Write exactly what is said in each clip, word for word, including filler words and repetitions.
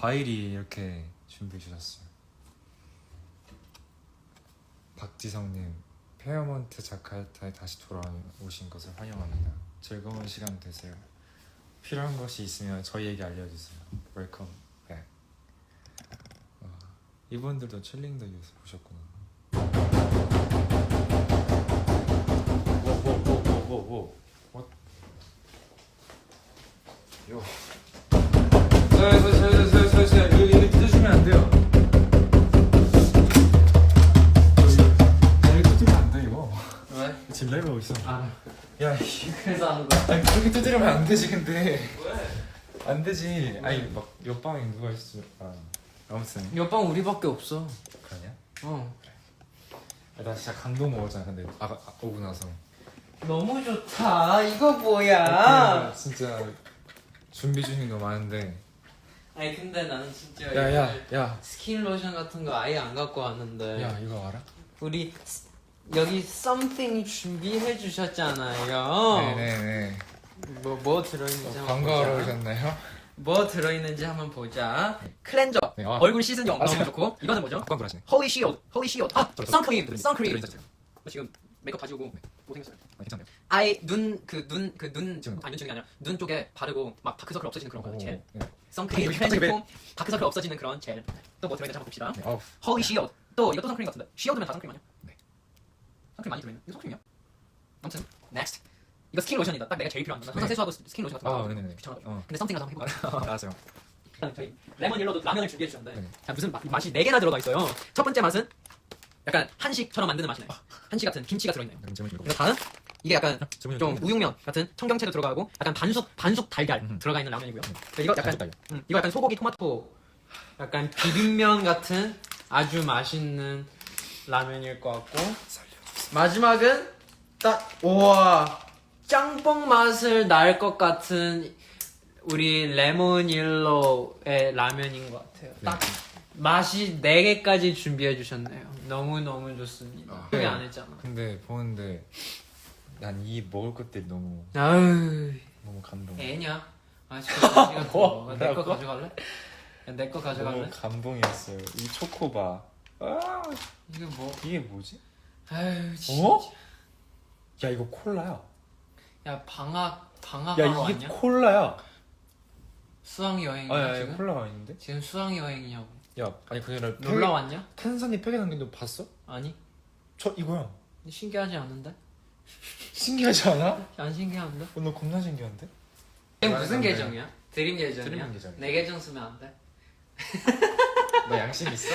과일이 이렇게 준비해 주셨어요. 박지성님, 페어몬트 자카르타에 다시 돌아오신 것을 환영합니다. 즐거운 시간 되세요. 필요한 것이 있으면 저희에게 알려주세요. 웰컴 백. 와, 이분들도 칠링더 유스 보셨구나. 오오오오오오. 요. 서서서서서서 이거 이거 뜯어주면 안 돼요. 이거 뜯으면 안 돼 이거. 왜? 지금 라이브 하고 있어. 아. 야, 그래서 하는 거야? 아니 그렇게 두드리면 안 되지 근데. 왜? 안 되지. 아니 막 옆방에 누가 있어. 아, 아무튼. 옆방 우리밖에 없어. 그러냐? 어. 아, 나 진짜 감동 먹었잖아. 근데 아, 아 오고 나서. 너무 좋다. 이거 뭐야? 아, 진짜 준비 중인 거 많은데. 아니 근데 나는 진짜 야야 야. 스킨 로션 같은 거 아예 안 갖고 왔는데. 야 이거 알아? 우리 여기 something 준비해 주셨잖아요. 네네네. 뭐 뭐 들어있는지 어, 한번 광고하러 보자. 오셨나요? 뭐 들어있는지 한번 보자. 클렌저. 네, 아. 얼굴 씻은 영 아, 너무 제가- 좋고. 이거는 뭐죠? 광고 하시네. 홀리 시옷. 홀리 시옷. 아, 저, 저, 선크림. 저, 저, 선크림. 저, 저, 저, 저. 나 지금 메이크업 가지고 오고 못생겼어요. 아, 괜찮네요. 아예 눈 그 눈 그 눈 지금. 아니 눈 찍는 게 아니라 눈 쪽에 바르고 막 다크서클 없어지는 그런 거 오, 젤. 네. 선크림, 어, 갑자기 클렌징 폼, 다크서클 없어지는 그런 젤. 또 뭐 들어있는지 한번 봅시다. 네, 어우. 홀리 시옷. 또 이것도 선크림 같은데. 시옷이면 다 선크림 아니야? 네. 선크림 많이 들어있는. 이거 선크림이야? 아무튼 넥스트. 이거 스킨 로션이다. 딱 내가 제일 필요한 거. 항상 네. 세수하고 스킨 로션 같은 거. 아, 네네네. 귀찮아가지고. 어. 근데 썸띵 가서 한번 해볼까? 알았어요. 저희 레몬 옐로도 라면을 준비해 주셨는데 네. 자, 무슨 맛, 맛이 네 개나 들어가 있어요. 첫 번째 맛은 약간 한식처럼 만드는 맛이네. 한식 같은 김치가 들어있네요. 그럼 질문 그리고 다음 이게 약간 질문 좀 우육면 같은 청경채도 들어가고 약간 반숙 반숙 달걀 음. 들어가 있는 라면이고요. 이거 약간 달걀. 음, 이거 약간 소고기 토마토 약간 비빔면 같은 아주 맛있는 라면일 것 같고 마지막은 딱 우와 짬뽕 맛을 날 것 같은 우리 레몬 옐로우의 라면인 것 같아요. 딱 맛이 네 개까지 준비해 주셨네요. 너무 너무 좋습니다. 아, 소개 네. 안 했잖아. 근데 보는데 난 이 먹을 것들이 너무 아유 너무 감동. 애냐? 아 진짜 뭐? 내거 뭐라고? 가져갈래? 내 거 가져갈래? 너무 감동이었어요. 이 초코바. 아, 이게 뭐? 이게 뭐지? 아유 진짜. 어? 야 이거 콜라야. 야 방학 방학 야 하러 이게 왔냐? 콜라야. 수학 여행이야 아, 야, 지금? 야, 콜라가 있는데? 지금 수학 여행이냐고? 야, 아니 그게 아니라 놀러 왔냐? 탄산이 팩에 담긴 거 봤어? 아니 저 이거야. 신기하지 않은데? 신기하지 않아? 안 신기한데? 어, 너 겁나 신기한데? 이게 무슨 네. 계정이야? 드림 계정이야? 드림 계정이야. 내 계정 쓰면 안 돼? 너 양심 있어?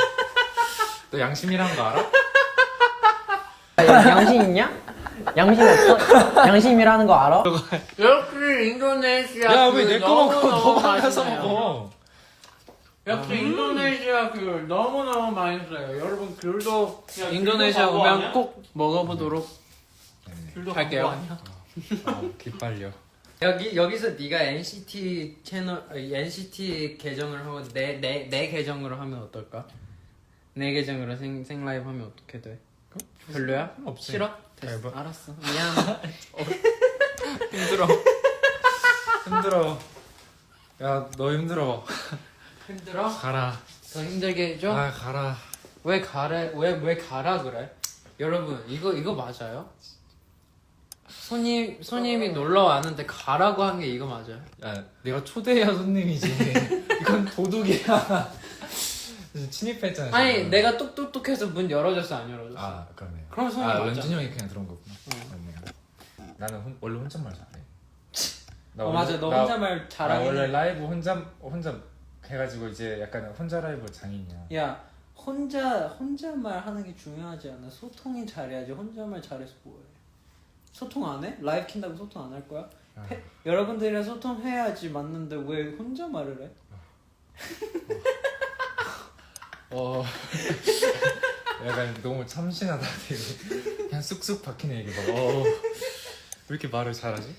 너 양심이란 거 알아? 양심 있냐? 양심 없어? 양심이라는 거 알아? 역시 인도네시아 야 그 왜 내 거 너무 먹고 너무 너만 가서 맛있네요. 먹어? 역시 인도네시아 그 너무 너무 맛있어요. 여러분 귤도 야, 인도네시아 귤도 오면 아니야? 꼭 먹어보도록 네. 귤도 할게요. 광고 아니야? 아, 기빨려. 여기 여기서 네가 엔시티 채널 아니, 엔시티 계정을 하고 내 내 내 계정으로 하면 어떨까? 내 계정으로 생 생라이브 하면 어떻게 돼? 별로야? 없지. 싫어? 됐어. 뭐- 알았어. 미안. 힘들어. 힘들어. 야 너 힘들어. 힘들어? 가라. 더 힘들게 해줘? 아 가라. 왜 가래? 왜 왜 가라 그래? 여러분 이거 이거 맞아요? 손님 손님이 놀러 왔는데 가라고 한 게 이거 맞아요? 야 내가 초대해야 손님이지. 이건 도둑이야. 침입했잖아. 아니 지금. 내가 똑똑똑해서 문 열어줬어 안 열어줬어? 아 그러네. 그럼 손님 아 맞잖아. 런쥔 형이 그냥 들어온 거구나. 응. 맞네. 나는 혼, 원래 혼잣말 잘해. 나 어 원래- 맞아 너 나- 혼자말 나 잘하긴 원래 해. 라이브 혼자 혼자 해가지고 이제 약간 혼자 라이브 장인이야. 야 혼자 혼자말 하는 게 중요하지 않아. 소통이 잘해야지. 혼자말 잘해서 뭐해? 소통 안 해? 라이브 킨다고 소통 안 할 거야? 아. 해, 여러분들이랑 소통해야지 맞는데 왜 혼자말을 해? 어. 약간 너무 참신하다. 되게. 그냥 쑥쑥 박히는 얘기 봐. 어. 왜 이렇게 말을 잘하지?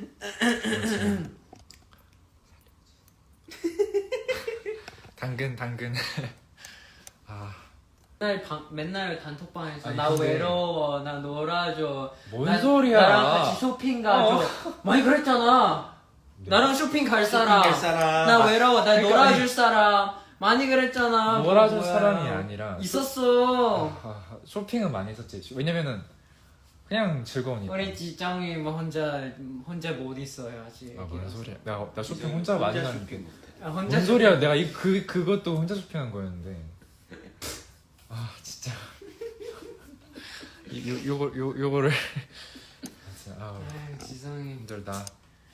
당근 당근. 아. 맨날 방, 맨날 단톡방에서 아니, 나 근데- 외로워 나 놀아줘 뭔 나- 소리야? 나랑 같이 쇼핑 가줘 많이 그랬잖아. 나랑 쇼핑 갈 쇼핑 사람. 갈 사람. 나 외로워. 나 그러니까 놀아줄 사람. 많이 그랬잖아. 놀아줄 뭐야. 사람이 아니라 있었어. 아, 쇼핑은 많이 했었지. 왜냐면은 그냥 즐거우니까. 우리 지정이 뭐 혼자 혼자 못 있어요 아직. 아 뭔 소리야? 나, 나 쇼핑 혼자 많이 혼자 하는데. 쇼핑 못해. 아, 혼자 뭔 소리야? 내가 이 그 그것도 혼자 쇼핑한 거였는데. 아 진짜. 이- 요 요거 요 요거를. 진짜 아 아, 지성이. 힘들다.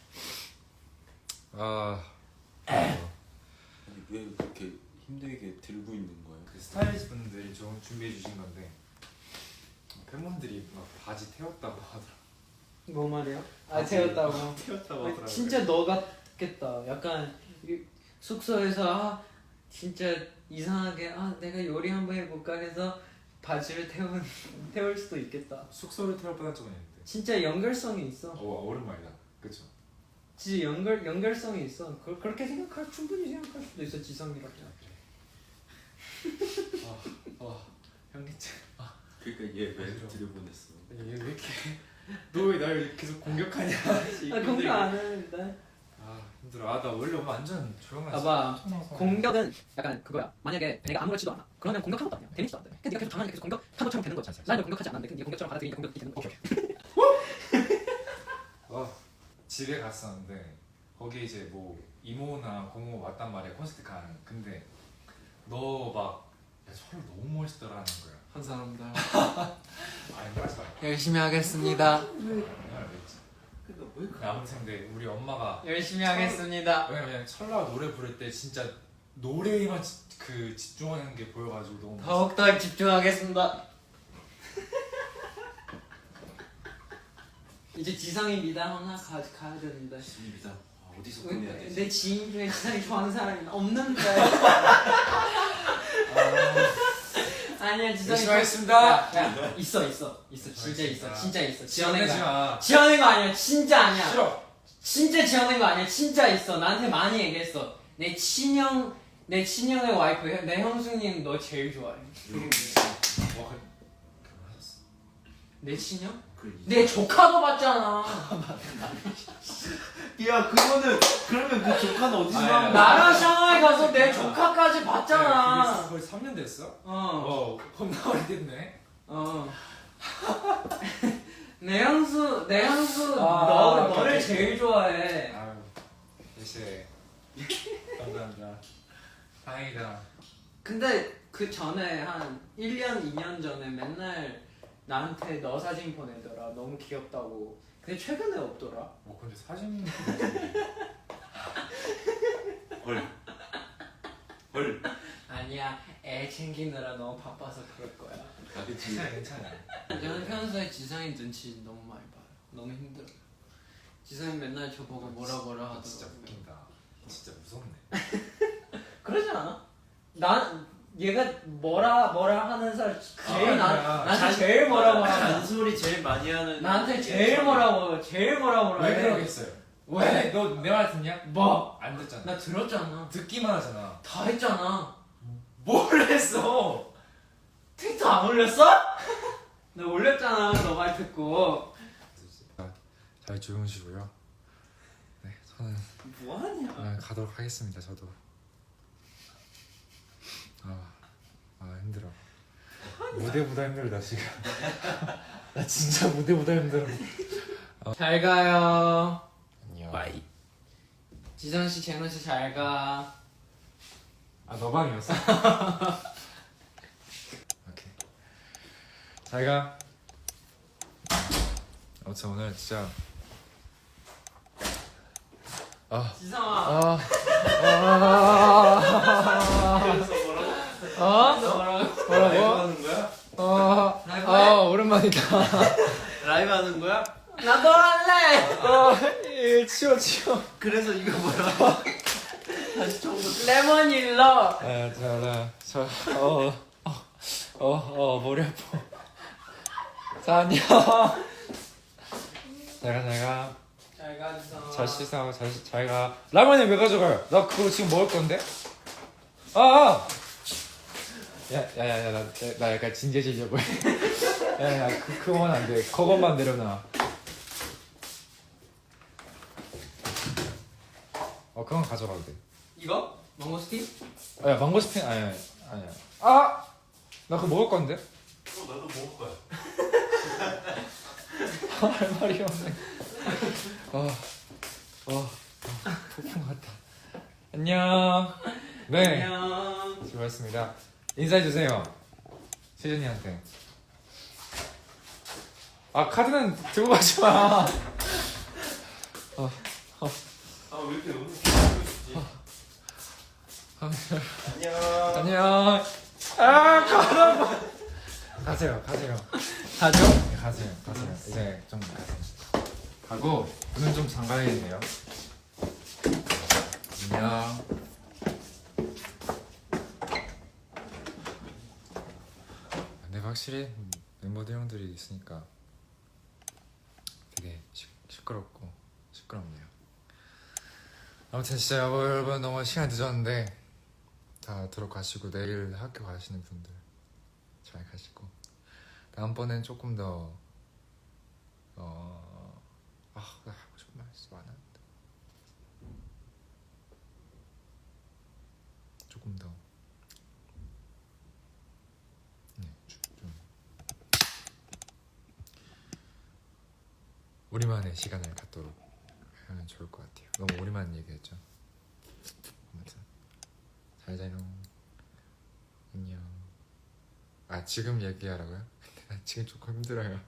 아. 아니 왜 그렇게 힘들게 들고 있는 거예요? 그 스타일리스트 분들이 좀 준비해 주신 건데 팬분들이 막 바지 태웠다고 하더라. 뭐 말이야? 아 태웠다고. 태웠다고 아, 진짜 너 같겠다. 약간 이- 숙소에서 아, 진짜 이상하게 아 내가 요리 한번 해볼까 해서 바지를 태운 태울 수도 있겠다. 숙소를 태울 뻔한 적은 있는데. 진짜 연결성이 있어. 어 오랜만이다. 그쵸? 진짜 연결 연결성이 있어. 그, 그렇게 생각할 충분히 생각할 수도 있어 지성이라고. 아 현기증. 그러니까 얘 왜 들여보냈어? 얘 왜 이렇게 너 왜 날 계속 공격하냐? 아 공격 안 하는데. 아 힘들어. 아 나 원래 완전 조용한. 봐봐. 공격은 약간 그거야. 만약에 내가 아무렇지도 않아. 그러면 공격한 것도 아니야. 데미지도 안 돼. 근데 네가 계속 당하니까 계속 공격한 것처럼 되는 거지. 나는 공격하지 않았는데 근데 네가 공격처럼 받아들이니까 공격이 되는 거야. 어 집에 갔었는데 거기 이제 뭐 이모나 고모 왔단 말이야 콘서트 간. 근데 너 막 야, 서로 너무 멋있더라는 거야. 한 사람들 아니 그러지 마. 열심히 하겠습니다. 내가 알겠지. 근데 왜 그래? 아무튼 근데 우리 엄마가 열심히 하겠습니다. 왜냐면 철라 노래 부를 때 진짜 노래에만 지, 그 집중하는 게 보여가지고 너무 더욱더 집중하겠습니다. 이제 지성이 미담 하나 가, 가야 되는데. 지입니다. 아, 어디서 보내야 되지? 내 지인 중에 지성이 좋아하는 사람이 없는데. 아니야 지성이 열심히 좋아- 하겠습니다. 야, 야, 있어 있어 있어 진짜 있어 알겠습니다. 진짜 있어 지어낸 지어내지 거 마. 지어낸 거 아니야 진짜 아니야. 싫어. 진짜 지어낸 거 아니야 진짜 있어. 나한테 많이 얘기했어. 내 친형 내 친형의 와이프 내 형수님 너 제일 좋아해. 와 결혼하셨어. 내 친형? 그래, 내 조카도 봤잖아. 야 그거는 그러면 그 조카는 어디서 아니, 나온 아니, 거야? 나랑 샹하이 가서 내 조카까지 봤잖아. 그게 거의 삼 년 됐어? 어. 어 겁나 오래됐네. 어. 내 형수, 내 형수, 아, 너, 오케이, 너를 오케이. 제일 좋아해. 아유 역시 감사합니다. 다행이다. 근데 그 전에 한 일 년, 이 년 전에 맨날 나한테 너 사진 보내더라. 너무 귀엽다고. 근데 최근에 없더라. 어 근데 사진 헐. 헐. 아니야, 애 챙기느라 너무 바빠서 그럴 거야. 아 그치. 괜찮아 괜찮아. 저는 평소에 지성이 눈치 너무 많이 봐요. 너무 힘들어. 지성이 맨날 저 보고 뭐라 뭐라 하더라고. 진짜 웃긴다. 진짜 무섭네. 그러지 않아? 난 얘가 뭐라 뭐라 하는 사람 제일 아, 나 아니야. 나한테 잔- 제일 뭐라 뭐라 하는 잔소리 제일 많이 하는. 나한테 제일 뭐라 뭐 제일 뭐라 뭐라 왜 해. 그러겠어요? 왜? 너 내 말 듣냐? 뭐? 안 듣잖아. 나 들었잖아. 듣기만 하잖아. 다 했잖아. 뭘 했어? 트위터 안 올렸어? 나 올렸잖아. 너 말 듣고. 잘 주무시고요. 네, 저는 뭐하냐? 아, 가도록 하겠습니다. 저도. 아, 아 힘들어. 무대보다 힘들다 지금. 나 진짜 무대보다 힘들어. 잘 가요. 안녕. 바이. 지성 씨, 재노 씨 잘 가. 아, 너 방이었어? 오케이. 잘 가. 아무튼 오늘 진짜 아, 지성아. 아, 아, 그래서 뭐라고? 아, 너 뭐라고? 라이브 뭐라고? 하는 거야? 아, 라이브 아, 오랜만이다. 라이브 하는 거야? 나도 할래. 아, 예, 치워, 치워. 그래서 이거 뭐라고? 다시 처음부터. 레몬 일러. 아, 자, 나, 저, 어, 어, 어, 어, 머리 아파. 자, 안녕. 잘 가, 잘 가. 잘 가, 지성아. 잘 씻어, 잘, 씻- 잘 가. 라면을 왜 가져가요? 나 그거 지금 먹을 건데? 아! 아! 야, 야, 야, 야, 나, 나 약간 진지해지려고 해. 야, 야, 그, 그건 안 돼. 그것만 내려놔. 어 그건 가져가도 돼. 이거? 망고스틴? 아야 망고스틴 아니야 아니야. 아! 나 그거 먹을 건데? 어, 나도 먹을 거야. 할 말이 없네. 어, 어, 폭풍 같다. 안녕. 네, 안녕. 수고하셨습니다. 인사해 주세요. 세준이한테. 아 카드는 들고 가지 마. 어, 어. 아 왜 이렇게 너무 귀엽지? 안녕. 안녕. 아 가라고. 가세요, 가세요. 가죠? 네, 가세요, 가세요. 이제 좀 가세요. 가고 눈은 좀 잠가야겠네요. 안녕. 근데 확실히 멤버들 형들이 있으니까 되게 시, 시끄럽고 시끄럽네요. 아무튼 진짜 여러분 너무 시간 늦었는데 다 들어가시고 내일 학교 가시는 분들 잘 가시고 다음번엔 조금 더 어... 아, 나 하고 싶은 말 진짜 많았는데 조금 더 네, 좀, 좀 우리만의 시간을 갖도록 하면 좋을 것 같아요. 너무 우리만 얘기했죠. 아무튼 잘 자요. 안녕. 아 지금 얘기하라고요? 근데 나 지금 조금 힘들어요.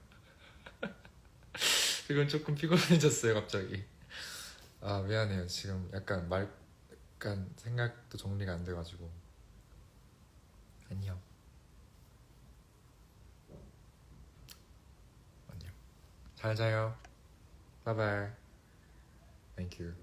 지금 조금 피곤해졌어요 갑자기. 아 미안해요. 지금 약간 말 약간 생각도 정리가 안 돼가지고. 안녕. 안녕. 잘 자요. 바이바이. Thank you.